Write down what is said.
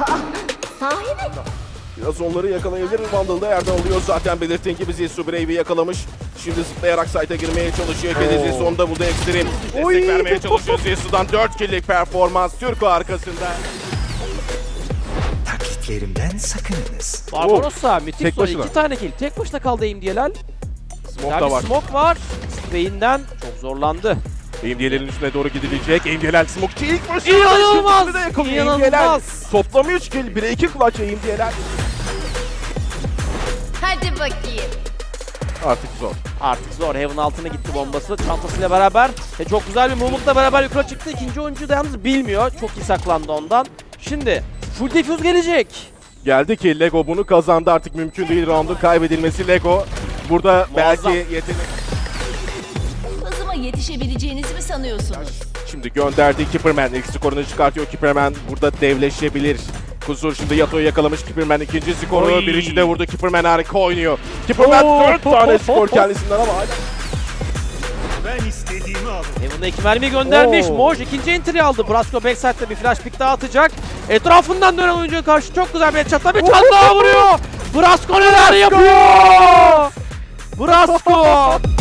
Sahi mi? Biraz onları yakalayabilir mi? Vandal'da yerden alıyor zaten, belirttiğin gibi Zilsu Brave'i yakalamış. Şimdi zıplayarak site'a girmeye çalışıyor. Kedi Zilsu onu da buldu, Extreme. Destek vermeye çalışıyor Zilsu'dan. 4 kill'lik performans Türko arkasında. Taklitlerimden sakınınız. Barbarossa müthiş Tek soru. başına. 2 tane kill. Tek başına kaldı İmdiyelal. Smoke da var. Smoke var. Spray'inden çok zorlandı. İmdiyel'in üstüne doğru gidilecek. İmdiyel smoke'çı ilk fırsatı. İnanılmaz! Şimdi de yakalıyor İnanılmaz! İmdiyel. Toplamı 3 kill. 1'e 2 clutch İmdiyel. Hadi bakayım. Artık zor. Artık zor. Heaven altına gitti bombası. Çantasıyla beraber. Çok güzel bir movement'la beraber yukarı çıktı. İkinci oyuncu da yalnız bilmiyor. Çok iyi saklandı ondan. Şimdi full defuse gelecek. Geldi ki Lego bunu kazandı. Artık mümkün değil roundun kaybedilmesi. Lego burada Muazzam. belki yetenek. Hızıma yetişebileceğinizi mi sanıyorsunuz? Şimdi gönderdiği Kipperman ilk skorunu çıkartıyor. Kipperman burada devleşebilir. Kuzur şimdi Yato'yu yakalamış. Kipperman ikinci skoru. Oy. Birinci de vurdu. Kipperman harika oynuyor. Kipperman 4 tane skor kendisinden ama hala. Ben istediğimi alırım. Heaven'a 2 mermi göndermiş. Oo. Moj ikinci entry aldı. Brasco backside'de bir flash pick daha atacak. Etrafından dönen oyuncuya karşı çok güzel bir headshot'la bir çat daha vuruyor. Brasco neler yapıyor? Brasco!